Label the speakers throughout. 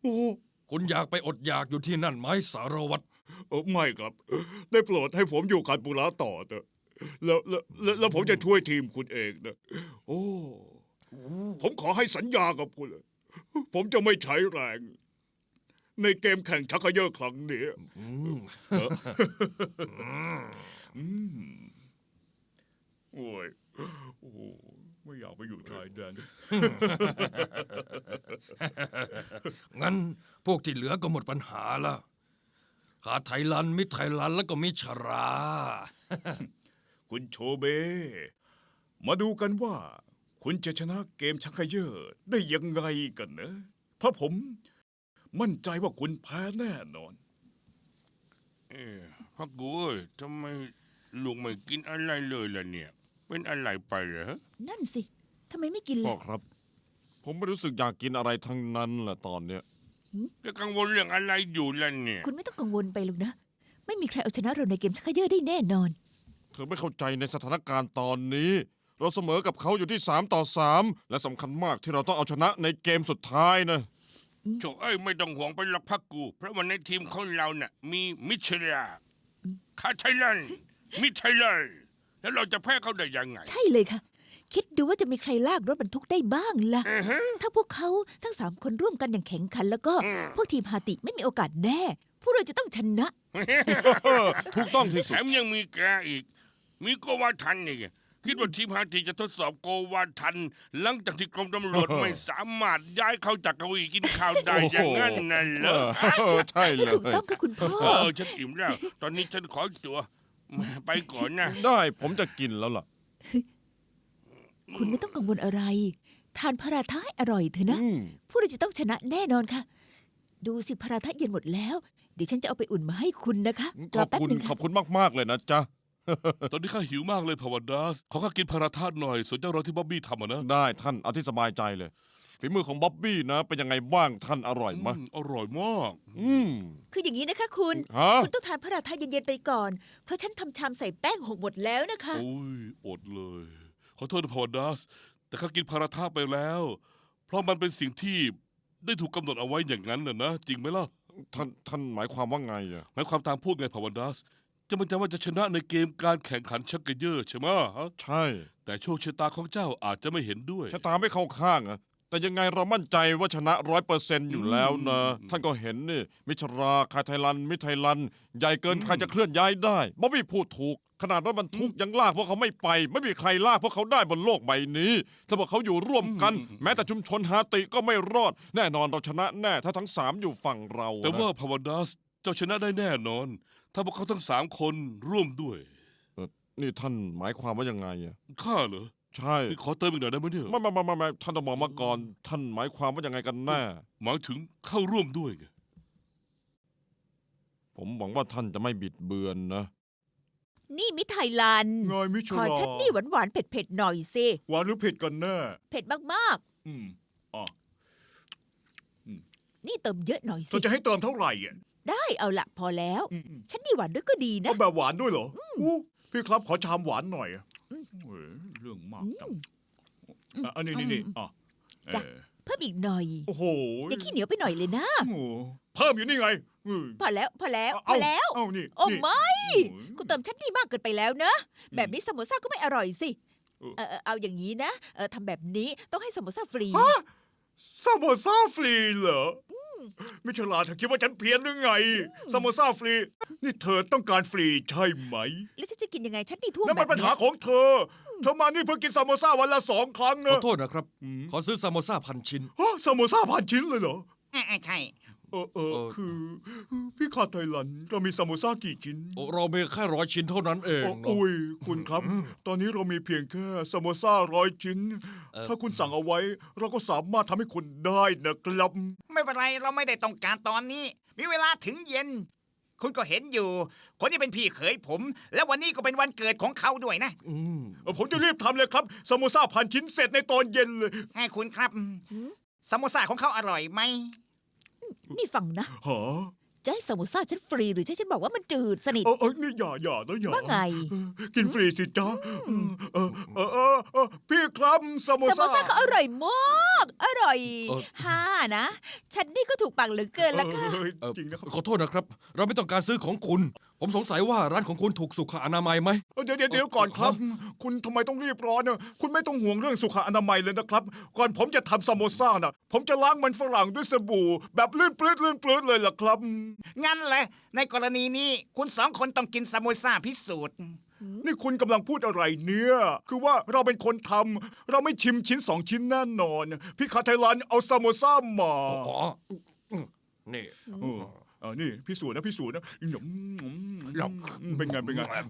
Speaker 1: โอ้
Speaker 2: คุณอยากไปอดอยากอยู่ที่นั่นไหมสารวัตร
Speaker 1: ไม่ครับ ได้โปรดให้ผมอยู่คันปุระต่อเถอะแล้วผมจะช่วยทีมคุณเองนะโอ้ผมขอให้สัญญากับคุณเลยผมจะไม่ใช้แรง ในเกมแข่งชักเขย่อครั้งนี้
Speaker 2: อืม
Speaker 1: อืมโอ้ยโอ้โหไม่อยากไปอยู่ชายแดน
Speaker 2: งั้นพวกที่เหลือก็หมดปัญหาละขาดไทยลัน มิตรไทยลัน แล้วก็มิชรา
Speaker 1: คุณโชเบ มาดูกันว่า คุณจะชนะเกมชักเขย่อได้ยังไงกันนะเพราะผมมั่นใจว่าคุณแพ้แน่นอน
Speaker 3: พักกูเอ้ยทำไมลุงไม่กินอะไรเลยล่ะเนี่ย เป็นอะไรไปเหรอ
Speaker 4: นั่นสิ ทำไมไม่กิน
Speaker 5: พ่อ
Speaker 4: ล่ะ
Speaker 5: ครับ ผมไม่รู้สึกอยากกินอะไรทั้งนั้นแหละตอนเนี้ย
Speaker 3: จะกังวลเรื่องอะไรอยู่ล่ะเนี่ย
Speaker 4: คุณไม่ต้องกังวลไปหรอกนะ ไม่มีใครเอาชนะเราในเกมชักเขย่อได้แน่นอน
Speaker 5: เธอไม่เข้าใจในสถานการณ์ตอนนี้ เราเสมอกับเขาอยู่ที่3-3และสำคัญมากที่เราต้องเอาชนะในเกมสุดท้ายนะ
Speaker 3: โถเอ้ยไม่ต้องห่วงไปหรอกพักกู เพราะว่าในทีมของเราน่ะมีมิชลาคาไทลัน มิไทลัน แล้วเราจะแพ้เขาได้ยังไง
Speaker 4: ใช่เลยค่ะ คิดดูว่าจะมีใครลากรถบรรทุกได้บ้างล่ะ
Speaker 3: อือฮะ
Speaker 4: ถ้าพวกเขาทั้ง3 คนร่วมกันอย่างแข็งขัน แล้วก็
Speaker 3: อืม
Speaker 4: พวกทีมฮาติไม่มีโอกาสแน่ พวกเราจะต้องชนะ
Speaker 5: ถูกต้องที่
Speaker 3: แถ
Speaker 5: สุด
Speaker 3: มยังมีแกอีก มีโกวาทันอีกคิดว่าทีมฮาติจะทดสอบโกวาทัน หลังจากที่กรมตำรวจไม่สามารถย้ายเขาจากเก้าอี้กินข้าวได้อย่างนั้นน่ะเหรอ
Speaker 5: ใช่เล
Speaker 4: ถูก
Speaker 5: ย
Speaker 4: ต้องค่ะคุณพ่อ
Speaker 3: ฉันอิ่มแล้ว ตอนนี้ฉันขอตัวไปก่อนนะ
Speaker 5: ได้ผมจะกินแล้วล่ะ
Speaker 4: คุณไม่ต้องกังวลอะไร ทานพาราทะให้อร่อยเถอะนะ
Speaker 5: อืม
Speaker 4: พวกเราจะต้องชนะแน่นอนค่ะ ดูสิพาราทะเย็นหมดแล้ว เดี๋ยวฉันจะเอาไปอุ่นมาให้คุณนะคะ
Speaker 5: ข
Speaker 4: ร
Speaker 5: อบ
Speaker 4: แป๊บ
Speaker 5: คุณ
Speaker 4: นึง
Speaker 5: ขอ
Speaker 4: ค่ะ
Speaker 5: บคุณมากๆเลยนะจ๊ะ
Speaker 6: ตอนนี้ข้าหิวมากเลยพาวันดาส ขอข้ากินพาราธาตุหน่อย ส่วนเจ้ารอที่บ๊อบบี้ทำอะนะ
Speaker 5: ได้ท่านเอาที่สบายใจเลย ฝีมือของบ๊อบบี้นะ เป็นยังไงบ้างท่านอร่อยไหม
Speaker 6: อร่อยมาก
Speaker 5: อืม
Speaker 4: คืออย่างนี้นะคะคุณ
Speaker 5: ฮะ
Speaker 4: คุณต้องทานพาราทะเย็นๆไปก่อน เพราะฉันทำชามใส่แป้ง6หมดแล้วนะคะ
Speaker 6: โอ้ย อดเลย ขอโทษนะพาวันดาส แต่ข้ากินพาราธาตุไปแล้ว เพราะมันเป็นสิ่งที่ได้ถูกกำหนดเอาไว้อย่างนั้นน่ะนะ จริงไหมล่ะ
Speaker 5: ท่านหมายความว่าไงอะ
Speaker 6: หมายความตามพูดไงพาวันดาส จะมันจะว่าจะชนะในเกมการแข่งขันชักเกยอร์ใช่ไหมฮะ
Speaker 5: ใช่
Speaker 6: แต่โชคชะตาของเจ้าอาจจะไม่เห็นด้วย
Speaker 5: ชะตาไม่เข้าข้างอะแต่ยังไงเรามั่นใจว่าชนะ100%อยู่แล้วนะ ท่านก็เห็นนี่ มิชราคาไทยลัน มิตรไทยลัน ใหญ่เกินใครจะเคลื่อนย้ายได้บ๊อบบี้พูดถูก ขนาดรถบรรทุกยังลากพวกเขาไม่ไป ไม่มีใครลากพวกเขาได้บนโลกใบนี้ ถ้าพวกเขาอยู่ร่วมกัน แม้แต่ชุมชนฮาติก็ไม่รอด แน่นอนเราชนะแน่ ถ้าทั้ง3อยู่ฝั่งเรา
Speaker 6: แต่ว่า
Speaker 5: นะ
Speaker 6: พาวันดาส เจ้าชนะได้แน่นอน ถ้าพวกเขาทั้ง3 คนร่วมด้วย
Speaker 5: นี่ท่านหมายความว่ายังไงอะ
Speaker 6: ข้าเหรอ
Speaker 5: ใช่
Speaker 6: นี่ขอเติมอีกหน่อยได้ไหมเนี่ย
Speaker 5: ไม่ท่านต้องบอกมาก่อน ท่านหมายความว่ายังไงกันแน่
Speaker 6: หมายถึงเข้าร่วมด้วยไง
Speaker 5: ผมหวังว่าท่านจะไม่บิดเบือนนะ
Speaker 4: นี่มิไทยลัน
Speaker 1: ไงมิช
Speaker 4: ขอ
Speaker 1: ลา
Speaker 4: ฉันนี่หวานๆเผ็ดๆหน่อยสิ
Speaker 1: หวานหรือเผ็ดกันแน่
Speaker 4: เผ็ดมาก
Speaker 1: อืมอ๋อ
Speaker 4: ๆ นี่เติมเยอะหน่อย
Speaker 1: เรา
Speaker 4: สิ
Speaker 1: จะให้เติมเท่าไหร่อ่ะ
Speaker 4: ได้เอาละพอแล้ว
Speaker 1: อืม
Speaker 4: ฉันนี่หวานด้วยก็ดีนะ
Speaker 1: เอาแบบหวานด้วยเหรออู้พี่ครับขอชามหวานหน่อยอะเฮ้ยเรื่องมากจังอ่ะอันนี้อ่ะ
Speaker 4: จ้ะ เพิ่มอีกหน่อย
Speaker 1: โอ้โห
Speaker 4: อย่าขี้เหนียวไปหน่อยเลยนะ
Speaker 1: โอ้โหเพิ่มอยู่นี่ไง
Speaker 4: พอแล้วพอแล้วพ
Speaker 1: เา
Speaker 4: อแล้ว
Speaker 1: เอานี่
Speaker 4: โอ้
Speaker 1: นี่
Speaker 4: ไม่
Speaker 1: โอ้ย
Speaker 4: คุณเติมชั้นนี่มากเกินไปแล้วนะ แบบนี้สโมซ่าก็ไม่อร่อยสิ
Speaker 1: เออ
Speaker 4: เอาอย่างนี้นะทำแบบนี้ต้องให้สโมซ่าฟรี
Speaker 1: ฮะซาโมซาฟรีเหรอมิชลาเธอคิดว่าฉันเพี้ยนหรือไงซาโมซาฟรี นี่เธอต้องการฟรีใช่ไหม
Speaker 4: แล้วฉันจะกินยังไงชั้นนี่ท่วม
Speaker 1: นั่น
Speaker 4: แบ
Speaker 1: มัน
Speaker 4: บ
Speaker 1: ปัญหา
Speaker 4: เนี้ย
Speaker 1: ของเธอ เธอมานี่เพื่อกินซาโมซาวันละ2 ครั้ง
Speaker 2: ขอ
Speaker 1: นะ
Speaker 2: โทษนะครับ ขอซื้อซามโมซา1,000 ชิ้น
Speaker 1: ฮะซาโมซาพันชิ้นเลยเหรอ
Speaker 3: ใช่
Speaker 1: คือ พี่ขาดไทยลันเรามีซาโมซากี่ชิ้น
Speaker 2: เรามีแค่100 ชิ้นเท่านั้นเองเนอะ
Speaker 1: โอ้ยคุณครับ ตอนนี้เรามีเพียงแค่ซาโมซา100 ชิ้น ถ้าคุณสั่งเอาไว้ เราก็สามารถทำให้คุณได้นะครับ
Speaker 7: ไม่เป็นไรเราไม่ได้ต้องการตอนนี้ มีเวลาถึงเย็น คุณก็เห็นอยู่ คนที่เป็นพี่เขยผม และวันนี้ก็เป็นวันเกิดของเขาด้วยนะ
Speaker 2: อืม
Speaker 1: ผมจะรีบทำเลยครับซาโมซาพันชิ้นเสร็จในตอนเย็นเลย
Speaker 7: ให้คุณครับสโมซ่าของเขาอร่อยไหม
Speaker 4: นี่ฟังนะ
Speaker 1: ฮะ
Speaker 4: จะให้สโมซ่าฉันฟรีหรือจะให้ฉันบอกว่ามันจืดสนิท
Speaker 1: นี่อย่านะอย่า
Speaker 4: ว่าไง
Speaker 1: กินฟรีสิจ๊ะพี่ครับสโม
Speaker 4: สโม
Speaker 1: ซ่า
Speaker 4: ซ่าเขาอร่อยมากอร่อย
Speaker 2: เออ
Speaker 4: ฮ่านะ ฉันนี่ก็ถูกปากเหลือเกินละค่ะ
Speaker 1: จริงนะครับ
Speaker 2: ขอโทษนะครับ เราไม่ต้องการซื้อของคุณ ผมสงสัยว่าร้านของคุณถูกสุขอนามัยไหม
Speaker 1: เดี๋ยวก่อนครับ คุณทำไมต้องรีบร้อนเนี่ยคุณไม่ต้องห่วงเรื่องสุขอนามัยเลยนะครับ ก่อนผมจะทำสโมซ่าน่ะ ผมจะล้างมันฝรั่งด้วยสบู่ แบบลื่นปลื้ดเลยล่ะครับ
Speaker 7: งั้นแหละในกรณีนี้คุณสองคนต้องกินซามโมซ่าพิสูจน์
Speaker 1: นี่คุณกำลังพูดอะไรเนี่ย คือว่าเราเป็นคนทำเราไม่ชิมชิ้น2 ชิ้นแน่นอน พี่คาไทยลันเอาซามโมซ่ามา
Speaker 2: อ๋อนี่
Speaker 1: นี่พิสูจน์นะเป็นไง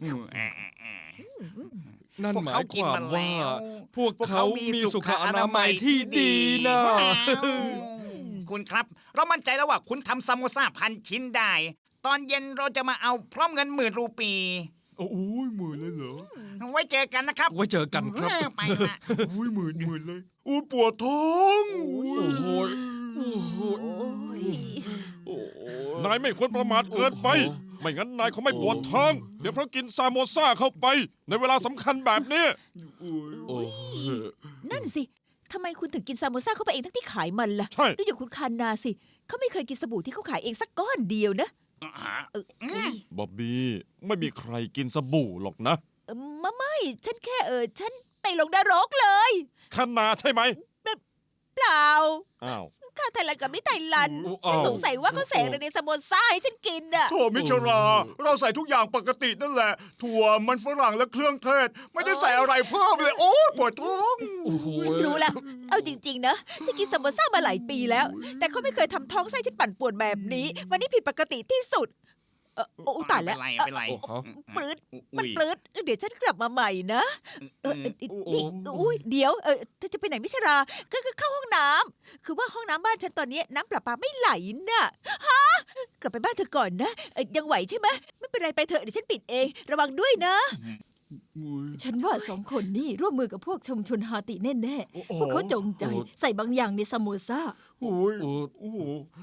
Speaker 2: นั่น
Speaker 7: พวก
Speaker 2: หมา
Speaker 7: เขา
Speaker 2: ย
Speaker 7: กิ
Speaker 2: คน วาม
Speaker 7: มา
Speaker 2: ว่า
Speaker 7: แล้ว
Speaker 2: พวกเขามีสุขอนามัยที่ดีนะ
Speaker 7: คุณครับ เรามั่นใจแล้วว่าคุณทำซามโมซ่า1,000 ชิ้นได้ ตอนเย็นเราจะมาเอาพร้อมเงิน10,000 รูปี
Speaker 1: โอ้ยหมื่นเลยเหรอ
Speaker 7: ไว้เจอกันนะครับ
Speaker 2: ไว้เจอกันครับ
Speaker 7: ไปละ
Speaker 1: โอ้ยหมื่นเลยอู้ปวดท้อง
Speaker 2: โอ้โห โอ้โห
Speaker 4: โอ้ย
Speaker 5: นายไม่ควรประมาทเกินไป ไม่งั้นนายเขาไม่ปวดท้อง เดี๋ยวเพราะกินซามโมซ่าเข้าไป ในเวลาสำคัญแบบนี้
Speaker 2: โอ้โห
Speaker 4: นั่นสิทำไมคุณถึงกินซามโมซ่าเข้าไปเองทั้งที่ขายมันล่ะ
Speaker 5: ใช่
Speaker 4: ดูอย่างคุณคานาสิเขาไม่เคยกินสบู่ที่เขาขายเองสักก้อนเดียวนะอุ๊ย
Speaker 5: บ๊อบบี้ไม่มีใครกินสบู่หรอกนะ
Speaker 4: ไม่ฉันแค่ฉันไปลงนรกเลย
Speaker 5: ขนาดใช่ไหม
Speaker 4: เปล่า
Speaker 5: อ้าว
Speaker 4: ข้าไทยลันกับมิไทยลัน
Speaker 2: อ้าว
Speaker 4: สงสัยว่าเขาแสงในซามโมซ่าให้ฉันกินอ่ะ
Speaker 1: โถมิชรา เราใส่ทุกอย่างปกตินั่นแหละ ถั่วมันฝรั่งและเครื่องเทศ ไม่ได้ใส่อะไรเพิ่มเลย โอ้ยปวดท้อง
Speaker 2: โอ้โห
Speaker 4: ฉันรู้แล้ว เอาจริงๆนะฉันกินซามโมซ่ามาหลายปีแล้ว แต่เขาไม่เคยทำท้องไส้ฉันปั่นป่วนแบบนี้ วันนี้ผิดปกติที่สุดโอ้ตายแล้ว
Speaker 7: เป็นไร
Speaker 4: ปลื้ด
Speaker 7: อุ้
Speaker 4: มัน
Speaker 7: ย
Speaker 4: ปลื้ดเดี๋ยวฉันกลับมาใหม่นะนี่อุ้ยเดี๋ยวเธอจะไปไหนมิชราก็เข้าห้องน้ำคือว่าห้องน้ำบ้านฉันตอนนี้น้ำประปาไม่ไหลน่ะฮะกลับไปบ้านเธอก่อนนะยังไหวใช่ไหมไม่เป็นไรไปเถอะเดี๋ยวฉันปิดเอง ระวังด้วยนะ
Speaker 8: ฉันว่า2 คนนี่ร่วมมือกับพวกชุมชนฮาติแน่ๆ พวกเขาจงใจใส่บางอย่างในซามโมซ่า
Speaker 1: โอ้ย
Speaker 2: โอ้
Speaker 1: โอ้โห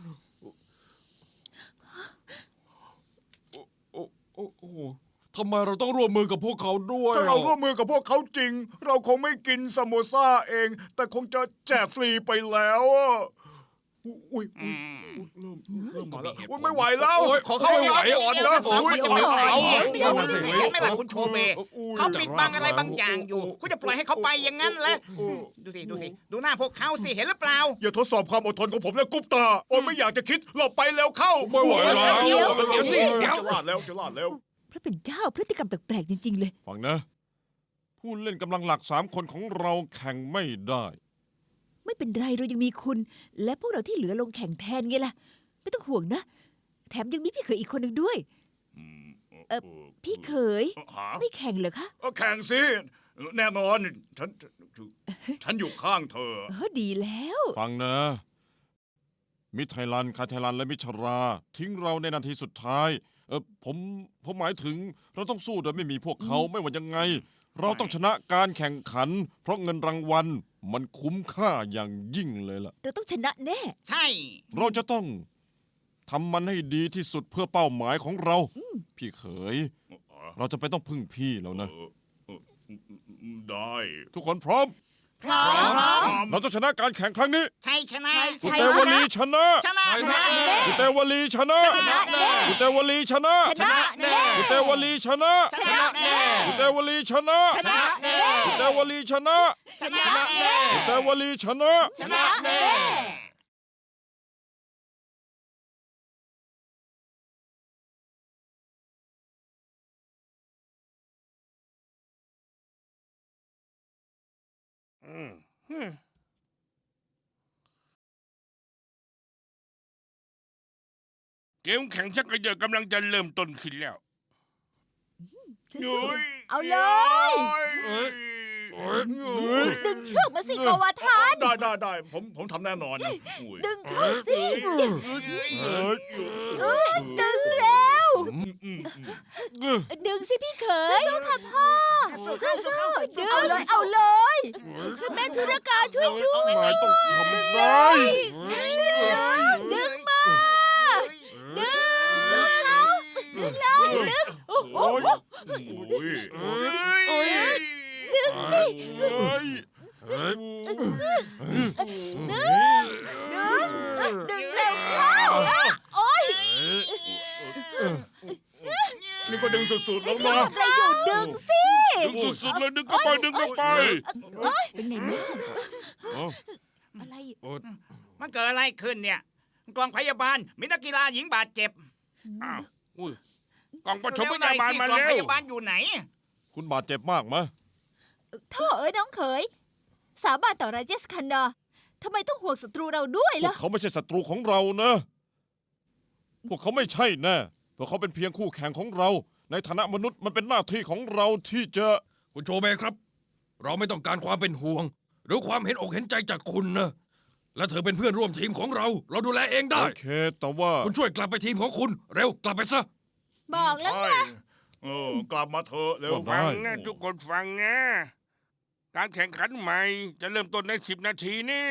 Speaker 1: โอ้โห
Speaker 2: ทำไมเราต้องร่วมมือกับพวกเขาด้วย
Speaker 1: ถ้าเราร่วมมือกับพวกเขาจริง เราคงไม่กินซามโมซ่าเอง แต่คงจะแจกฟรีไปแล้วอะอุ้ยเริ่มมาแล้วอุ๊ยไม่ไหวแล้ว ขอเข้าห้องน้ำก่อนนะ
Speaker 7: สองคนจะไปไหน
Speaker 1: เอา
Speaker 7: ไม่ได้ไม่ล่ะคุณโชเบ เขาปิดบังอะไรบางอย่างอยู่ คุณจะปล่อยให้เขาไปอย่างนั้นเหรอดูสิ ดูหน้าพวกเขาสิ เห็นหรือเปล่า
Speaker 1: อย่าทดสอบความอดทนของผมนะกุ๊ปตาโอ้ยไม่อยากจะคิดหลบไปแล้วเข้า
Speaker 2: ไม่ไหวแล้ว
Speaker 4: เดี๋ยว
Speaker 1: จะลาดแล้วจะลาดแล้ว
Speaker 4: พระเป็นเจ้าพฤติกรรมแปลกๆจริงๆเลย
Speaker 5: ฟังนะ ผู้เล่นกำลังหลัก3 คนของเราแข่งไม่ได้
Speaker 4: ไม่เป็นไรเรายังมีคุณ และพวกเราที่เหลือลงแข่งแทนไงล่ะ ไม่ต้องห่วงนะ แถมยังมีพี่เขยอีกคนหนึ่งด้วย พี่เขยไม่แข่งเหรอคะ
Speaker 1: แข่งสิแน่นอนฉันอยู่ข้างเธอ
Speaker 4: ดีแล้ว
Speaker 5: ฟังนะ มิตรไทยลันคาไทยลันและมิชรา ทิ้งเราในนาทีสุดท้ายผมหมายถึงเราต้องสู้โดยไม่มีพวกเขาไม่ว่ายังไง เราต้องชนะการแข่งขัน เพราะเงินรางวัลมันคุ้มค่าอย่างยิ่งเลยล่ะ
Speaker 4: เราต้องชนะแน่
Speaker 7: ใช่
Speaker 5: เราจะต้องทำมันให้ดีที่สุดเพื่อเป้าหมายของเรา พี่เขย เราจะไปต้องพึ่งพี่แล้วนะ
Speaker 1: ได้
Speaker 5: ทุกคนพร้อม
Speaker 7: พร้อม
Speaker 5: เราจะชนะการแข่งครั้งนี้
Speaker 7: ใช่ชนะ
Speaker 5: กุเตวลีชนะ
Speaker 7: ชนะ
Speaker 5: กุเตวลีชนะ
Speaker 7: ชนะแน่
Speaker 5: กุเตวลีชนะ
Speaker 4: ชนะแน่
Speaker 5: กุเตวลีชนะ
Speaker 7: ชนะแน่
Speaker 5: กุเตวลีชนะ
Speaker 7: ชนะแน่
Speaker 5: กุเตวลีชนะ
Speaker 7: ชนะแน่
Speaker 5: กุเตวลีชนะ
Speaker 7: ชนะแน่
Speaker 3: เกมแข่งชักกระเยอะกำลังจะเริ่มต้นขึ้นแล้ว
Speaker 8: เอาเลย ดึงเชือกมาสิโกวาทาน
Speaker 1: ได้ผมทำแน่นอนนะอุ้ย
Speaker 8: ดึงเข้าสิ
Speaker 4: ดึงแล้ว
Speaker 1: อืม
Speaker 4: ดึงสิพี่เขย
Speaker 8: สู้ค่ะพ่อ
Speaker 7: สู้เข้าสู้เข้า
Speaker 4: ดึง
Speaker 8: เอาเลยเอาเลย
Speaker 4: แม่ธุรการช่วยด้วย
Speaker 5: นายต้องทำได้
Speaker 4: ดึงมา ดึง
Speaker 5: เฮ้ย
Speaker 4: ดึงเร็วเข้าโอ๊ย
Speaker 1: นี่ก็ดึงสุดๆแล้ว
Speaker 4: ทำ
Speaker 1: นะ
Speaker 4: อะไรอยู่ดึงสิ
Speaker 3: ดึงสุดๆเลยดึงเข้าไปดึงเข้าไป
Speaker 8: เป็นไงบ้าง
Speaker 4: อะไร
Speaker 7: มันเกิดอะไรขึ้นเนี่ยกองพยาบาลมีนักกีฬาหญิงบาดเจ็บ
Speaker 3: อ้าวอุ้ยกล่องปฐมพ
Speaker 7: เร็วหน่
Speaker 3: ยา
Speaker 7: อย
Speaker 3: บาล
Speaker 7: สิ
Speaker 3: มาก
Speaker 7: อง
Speaker 3: แล้
Speaker 7: พ
Speaker 3: วย
Speaker 7: าบาลอยู่ไหน
Speaker 5: คุณบาดเจ็บมากไหม
Speaker 8: โท่เอ้ยน้องเขย สาบานต่อราเจสคันดาทำไมต้องห่วงศัตรูเราด้วย
Speaker 5: พว
Speaker 8: ล่ะ
Speaker 5: กเขาไม่ใช่ศัตรูของเรานะ พวกเขาไม่ใช่แน่พวกเขาเป็นเพียงคู่แข่งของเรา ในฐานะมนุษย์มันเป็นหน้าที่ของเราที่จะ
Speaker 2: คุณโชเบครับ เราไม่ต้องการความเป็นห่วง หรือความเห็นอกเห็นใจจากคุณนะ และเธอเป็นเพื่อนร่วมทีมของเรา เราดูแลเองได้
Speaker 5: โอเค แต่ว่า
Speaker 2: คุณช่วยกลับไปทีมของคุณ เร็วกลับไปซะ
Speaker 8: บอกแล้วไง
Speaker 1: กลับมาเถอะเร็ว
Speaker 5: ได้
Speaker 3: ฟังนะทุกคนฟังนะการแข่งขันใหม่จะเริ่มต้นใน10 นาทีนี่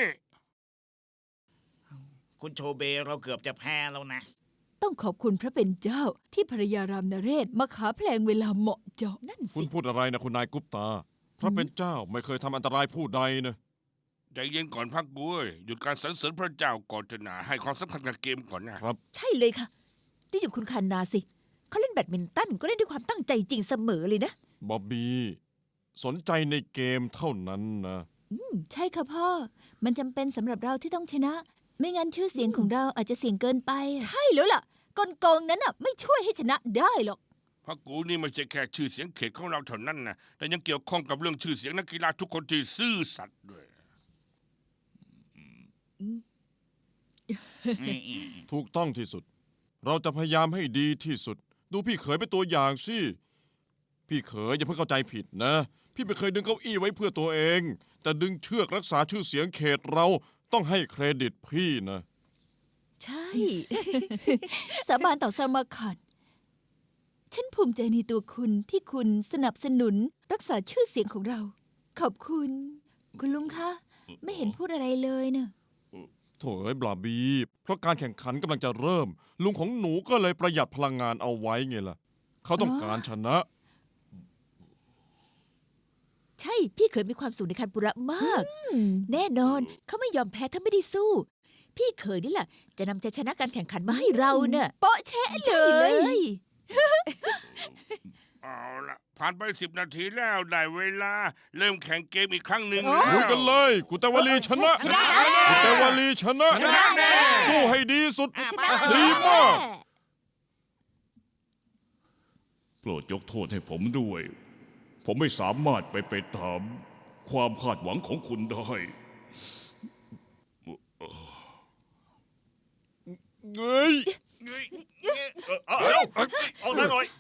Speaker 7: คุณโชเบเราเกือบจะแพ้แล้วนะ
Speaker 8: ต้องขอบคุณพระเป็นเจ้าที่ภรรยารามนเรศมาขาเพลงเวลาเหมาะเจาะ
Speaker 4: นั่น
Speaker 5: คุ
Speaker 4: สิ
Speaker 5: ณพูดอะไรนะคุณนายกุปตา พระเป็นเจ้าไม่เคยทำอันตรายผู้ใดนะ
Speaker 3: ใจเย็นก่อนพักกุ้ยหยุดการสรรเสริญพระเจ้าก่อนเถอะนะให้ความสำคัญกับเกมก่อนนะ
Speaker 4: ใช่เลยค่ะได้อยู่คุณคานาสิเขาเล่นแบดมินตันก็เล่นด้วยความตั้งใจจริงเสมอเลยนะ
Speaker 5: บ๊อบบี้ สนใจในเกมเท่านั้นนะ
Speaker 8: ใช่ค่ะพ่อ มันจำเป็นสำหรับเราที่ต้องชนะ ไม่งั้นชื่อเสียงของเราอาจจะเสี่ยงเกินไป ใช่แล้วล่ะ กลโกงนั้นน่ะไม่ช่วยให้ชนะได้หรอก
Speaker 3: พักกูนี่ไม่ใช่แค่ชื่อเสียงเขตของเราเท่านั้นนะแต่ยังเกี่ยวข้องกับเรื่องชื่อเสียงนักกีฬาทุกคนที่ซื่อสัตย์ด้วย
Speaker 5: ถูกต้องที่สุด เราจะพยายามให้ดีที่สุด ดูพี่เขยเป็นตัวอย่างสิ พี่เขยอย่าเพิ่งเข้าใจผิดนะ พี่ไม่เคยดึงเก้าอี้ไว้เพื่อตัวเอง แต่ดึงเชือกรักษาชื่อเสียงเขตเราต้องให้เครดิตพี่นะ
Speaker 4: ใช่
Speaker 8: สาบานต่อสมาคันฉันภูมิใจในตัวคุณที่คุณสนับสนุนรักษาชื่อเสียงของเรา ขอบคุณ คุณลุงคะ ไม่เห็นพูดอะไรเลยเนะ
Speaker 5: โถ่เอ้ยบลาบี เพราะการแข่งขันกำลังจะเริ่ม ลุงของหนูก็เลยประหยัดพลังงานเอาไว้ไงล่ะ เขาต้องการชนะ
Speaker 4: ใช่พี่เคยมีความสุขในคันปุระมาก แน่นอนเขาไม่ยอมแพ้ถ้าไม่ได้สู้ พี่เคยนี่แหละจะนำใจชนะการแข่งขันมาให้เราเน่ะ
Speaker 8: โป๊ะเชะเล
Speaker 4: ใช่เลย ย
Speaker 3: เอาละผ่านไป10 นาทีแล้วได้เวลา เริ่มแข่งเกมอีกครั้งหนึ่ง
Speaker 5: ดูกันเลย กุเตวลีชนะ
Speaker 8: ชนะ
Speaker 5: กุเตวลีชนะ
Speaker 3: ชนะแน่
Speaker 5: สู้ให้ดีสุด
Speaker 4: ชนะ
Speaker 5: ดีมาก
Speaker 1: โปรดยกโทษให้ผมด้วย ผมไม่สามารถไปตามความคาดหวังของคุณได้
Speaker 5: เฮ้ย
Speaker 1: เอาหน่อย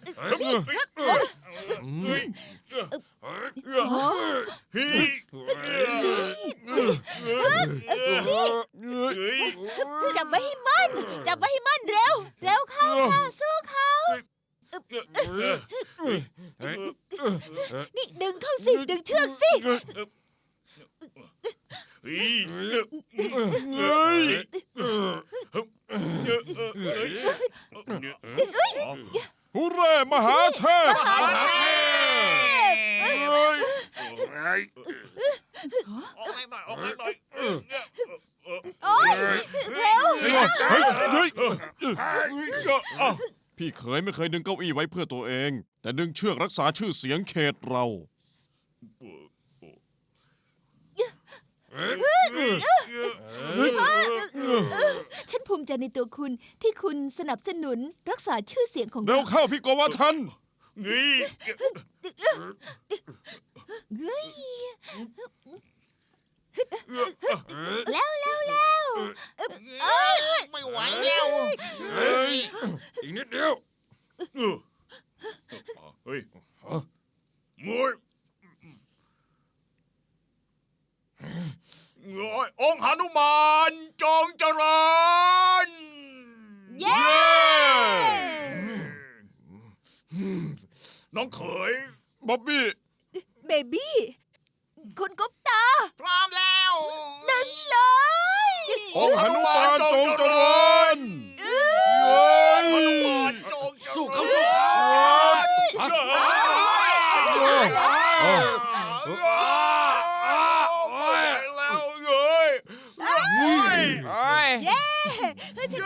Speaker 4: จับไว้ให้มั่นจับไว้ให้มั่นเร็ว
Speaker 8: เร็วเข้าค่ะสู้เขา
Speaker 4: นี่ดึงเข้าสิดึงเชือกสิ
Speaker 5: ฮูเร่มหาเทพ
Speaker 3: เฮ้ย
Speaker 4: โอ๊ยเร็ว
Speaker 5: เฮ้ยพี่เขยไม่เคยดึงเก้าอี้ไว้เพื่อตัวเอง แต่ดึงเชือกรักษาชื่อเสียงเขตเรา
Speaker 8: ฉันภูมิใจในตัวคุณที่คุณสนับสนุนรักษาชื่อเสียงของ
Speaker 5: เร็
Speaker 8: เรา
Speaker 5: วเข้าพี่โกวาทัน
Speaker 8: แล้ว
Speaker 7: ไม่ไหวแล้ว
Speaker 2: อีกนิดเดียว
Speaker 1: เฮ้ย
Speaker 3: มวย
Speaker 1: องค์หนุมานจงเจริญ
Speaker 4: เย้
Speaker 1: น้องเขย
Speaker 5: บ๊อบบี้
Speaker 4: เบบี้คุณกุ๊ปตา
Speaker 7: พร้อมแล้ว
Speaker 4: ดึงเลย
Speaker 5: องค์หนุมานจงเจริญ
Speaker 2: สู้เขาสู้เขา
Speaker 5: เ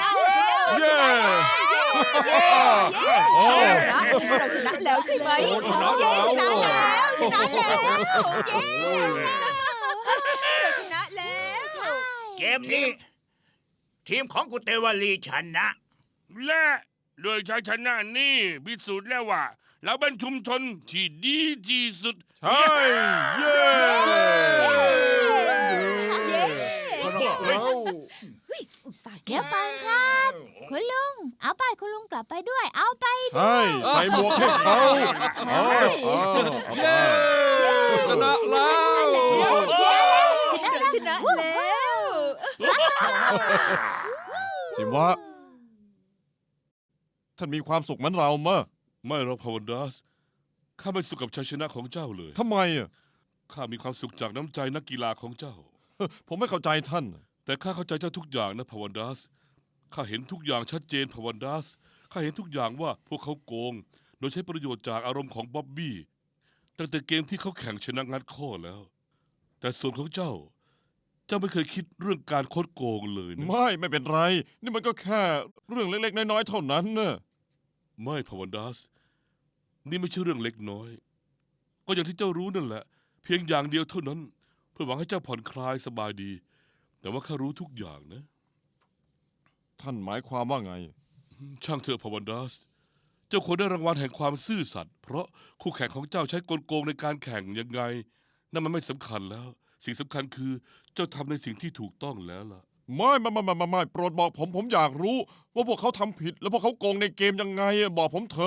Speaker 4: นะแล้ว
Speaker 5: เย้
Speaker 4: โอ้เราชนะแล้วใช่ไหม
Speaker 5: โอ้ชนะ
Speaker 4: เย้
Speaker 5: แล้ว
Speaker 4: ชนะแล้วเย้เราชนะแล้ว
Speaker 7: เกมนี้ ทีมของกุเตวลีชนะ
Speaker 3: และโดยชัยชนะนี่พิสูจน์แล้วว่า เราเป็นชุมชนที่ดีที่สุด
Speaker 5: ใช่เย้
Speaker 4: เย้
Speaker 5: แล้ว
Speaker 4: อุตส่าห์
Speaker 8: เดี๋ยวก่อนครับ คุณลุง เอาไปคุณลุงกลับไปด้วย เอาไป
Speaker 5: ใช่ใส่หมวกให้เขาเอาเอาไป
Speaker 2: ชนะแล้ว
Speaker 4: ชนะแล้ว
Speaker 5: สิวะท่านมีความสุขเหมือนเรามะ
Speaker 6: ไม่หรอกพาวันดัสข้าไม่สุขกับชัยชนะของเจ้าเลย
Speaker 5: ทำไมอ่ะ
Speaker 6: ข้ามีความสุขจากน้ำใจนักกีฬาของเจ้า
Speaker 5: ผมไม่เข้าใจท่าน
Speaker 6: แต่ข้าเข้าใจเจ้าทุกอย่างนะพาวันดัสข้าเห็นทุกอย่างชัดเจนพาวันดัสข้าเห็นทุกอย่างว่าพวกเขาโกง โดยใช้ประโยชน์จากอารมณ์ของบ๊อบบี้ตั้งแต่เกมที่เขาแข่งชนะงัดข้อแล้ว แต่ส่วนของเจ้า เจ้าไม่เคยคิดเรื่องการคดโกงเลยนะ
Speaker 5: ไม่เป็นไร นี่มันก็แค่เรื่องเล็กๆน้อยๆเท่านั้นนะ
Speaker 6: ไม่พาวันดัสนี่ไม่ใช่เรื่องเล็กน้อย ก็อย่างที่เจ้ารู้นั่นแหละ เพียงอย่างเดียวเท่านั้น เพื่อหวังให้เจ้าผ่อนคลายสบายดี แต่ว่าข้ารู้ทุกอย่างนะ
Speaker 5: ท่านหมายความว่าไง
Speaker 6: ช่างเถอะพาวันดัสเจ้าควรได้รางวัลแห่งความซื่อสัตย์เพราะคู่แข่งของเจ้าใช้กลโกงในการแข่งยังไง นั่นมันไม่สำคัญแล้ว สิ่งสำคัญคือเจ้าทำในสิ่งที่ถูกต้องแล้วล่ะ
Speaker 5: ไม่โปรดบอกผมอยากรู้ ว่าพวกเขาทำผิด แล้วพวกเขาโกงในเกมยังไงอะบอกผมเถอะ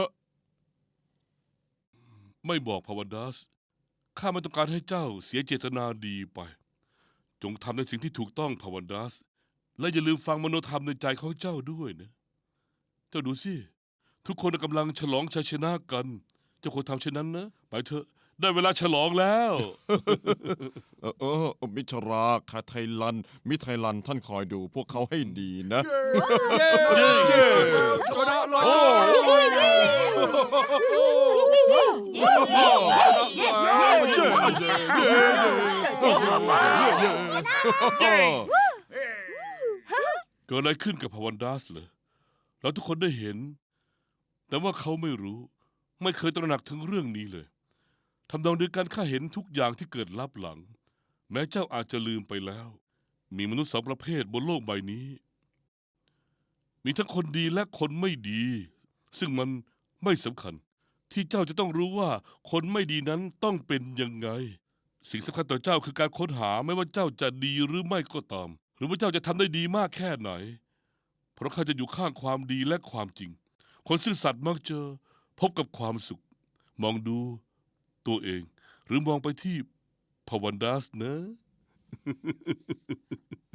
Speaker 6: ไม่บอกพาวันดัสข้าไม่ต้องการให้เจ้าเสียเจตนาดีไป จงทำในสิ่งที่ถูกต้องพาวันดัสและอย่าลืมฟังมโนธรรมในใจของเจ้าด้วยนะ เจ้าดูสิ ทุกคนกำลังฉลองชัยชนะกัน เจ้าควรทำเช่นนั้นนะ ไปเถอะ ได้เวลาฉลองแล้ว
Speaker 5: มิชราคาไทลัน มิไทลันท่านคอยดูพวกเขาให้ดีนะ
Speaker 2: ชนะแล้ว
Speaker 5: โอ้
Speaker 6: เกิดอะไรขึ้นกับพาวันดัสเหรอเราทุกคนได้เห็น แต่ว่าเขาไม่รู้ ไม่เคยตระหนักถึงเรื่องนี้เลยทำนองเดียวกันข้าเห็นทุกอย่างที่เกิดลับหลัง แม้เจ้าอาจจะลืมไปแล้ว มีมนุษย์สองประเภทบนโลกใบนี้ มีทั้งคนดีและคนไม่ดี ซึ่งมันไม่สำคัญ ที่เจ้าจะต้องรู้ว่าคนไม่ดีนั้นต้องเป็นยังไง สิ่งสำคัญต่อเจ้าคือการค้นหาไม่ว่าเจ้าจะดีหรือไม่ก็ตาม หรือว่าเจ้าจะทำได้ดีมากแค่ไหน เพราะข้าจะอยู่ข้างความดีและความจริง คนซื่อสัตย์มักจะพบกับความสุข มองดูตัวเอง หรือมองไปที่พาวันดัสนะ